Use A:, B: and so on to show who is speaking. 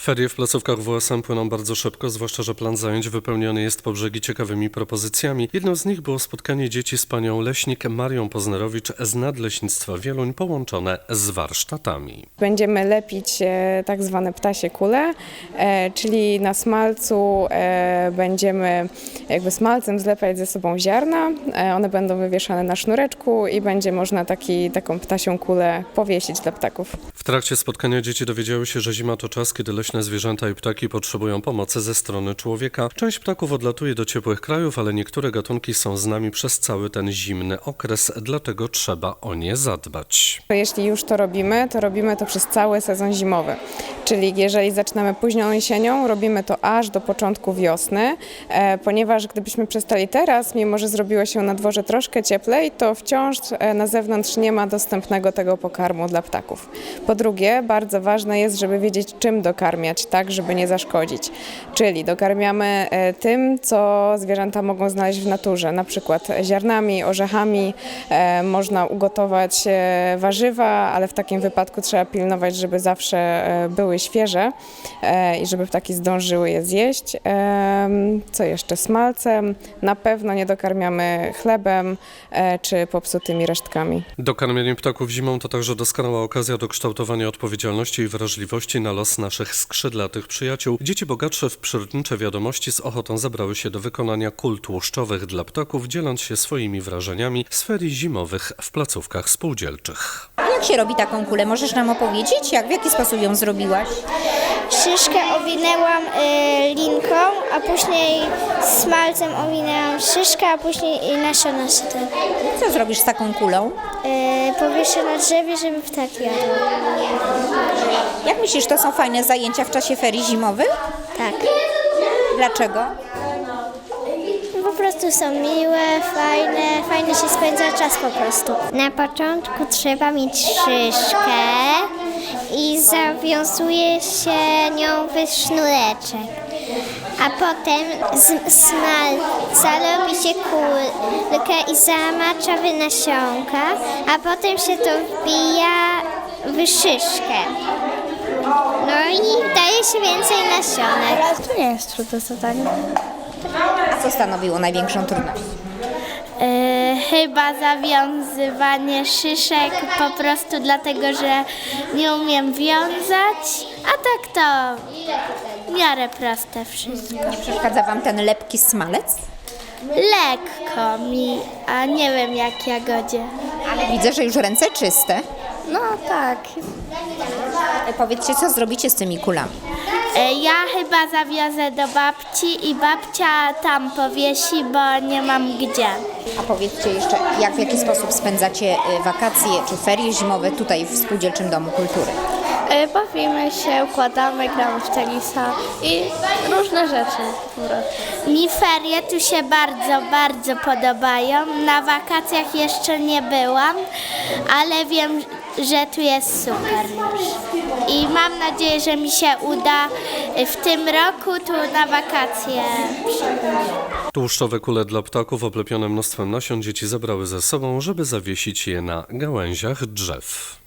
A: Ferie w placówkach WSM płyną bardzo szybko, zwłaszcza że plan zajęć wypełniony jest po brzegi ciekawymi propozycjami. Jedną z nich było spotkanie dzieci z panią leśnik Marią Poznerowicz z Nadleśnictwa Wieluń połączone z warsztatami.
B: Będziemy lepić tak zwane ptasie kule, czyli na smalcu będziemy jakby smalcem zlepiać ze sobą ziarna. One będą wywieszane na sznureczku i będzie można taką ptasią kulę powiesić dla ptaków.
A: W trakcie spotkania dzieci dowiedziały się, że zima to czas, kiedy leśne zwierzęta i ptaki potrzebują pomocy ze strony człowieka. Część ptaków odlatuje do ciepłych krajów, ale niektóre gatunki są z nami przez cały ten zimny okres, dlatego trzeba o nie zadbać.
B: Jeśli już to robimy to przez cały sezon zimowy. Czyli jeżeli zaczynamy późną jesienią, robimy to aż do początku wiosny, ponieważ gdybyśmy przestali teraz, mimo że zrobiło się na dworze troszkę cieplej, to wciąż na zewnątrz nie ma dostępnego tego pokarmu dla ptaków. Po drugie, bardzo ważne jest, żeby wiedzieć, czym dokarmiać, tak, żeby nie zaszkodzić. Czyli dokarmiamy tym, co zwierzęta mogą znaleźć w naturze, na przykład ziarnami, orzechami, można ugotować warzywa, ale w takim wypadku trzeba pilnować, żeby zawsze były świeże i żeby ptaki zdążyły je zjeść. Co jeszcze? Smalcem. Na pewno nie dokarmiamy chlebem czy popsutymi resztkami.
A: Dokarmienie ptaków zimą to także doskonała okazja do kształtowania odpowiedzialności i wrażliwości na los naszych skrzydlatych przyjaciół. Dzieci bogatsze w przyrodnicze wiadomości z ochotą zabrały się do wykonania kul tłuszczowych dla ptaków, dzieląc się swoimi wrażeniami z ferii zimowych w placówkach spółdzielczych.
C: Jak się robi taką kulę? Możesz nam opowiedzieć? W jaki sposób ją zrobiłaś?
D: Szyszkę owinęłam linką, a później smalcem owinęłam szyszkę, a później nasiona sytem.
C: Co zrobisz z taką kulą?
D: Powieszę na drzewie, żeby ptaki jadły.
C: Jak myślisz, to są fajne zajęcia w czasie ferii zimowych?
D: Tak.
C: Dlaczego?
D: Po prostu są miłe, fajnie się spędza czas po prostu. Na początku trzeba mieć szyszkę i zawiązuje się nią w sznureczek. A potem z smalca robi się kulkę i zamacza w nasionka, a potem się to wbija w szyszkę. No i daje się więcej nasionek.
E: To nie jest trudne zadanie.
C: A co stanowiło największą trudność?
E: Chyba zawiązywanie szyszek po prostu dlatego, że nie umiem wiązać, a tak to w miarę proste wszystko.
C: Nie przeszkadza wam ten lepki smalec?
E: Lekko mi, a nie wiem jak jagodzie.
C: Ale widzę, że już ręce czyste.
E: No tak.
C: Powiedzcie, co zrobicie z tymi kulami?
E: Ja chyba zawiozę do babci i babcia tam powiesi, bo nie mam gdzie.
C: A powiedzcie jeszcze, w jaki sposób spędzacie wakacje czy ferie zimowe tutaj w Spółdzielczym Domu Kultury?
E: Bawimy się, układamy, gramy w tenisa i różne rzeczy po prostu. Mi ferie tu się bardzo podobają. Na wakacjach jeszcze nie byłam, ale wiem, że tu jest super już. I mam nadzieję, że mi się uda w tym roku tu na wakacje przyjść.
A: Tłuszczowe kule dla ptaków oblepione mnóstwem nasion dzieci zabrały ze sobą, żeby zawiesić je na gałęziach drzew.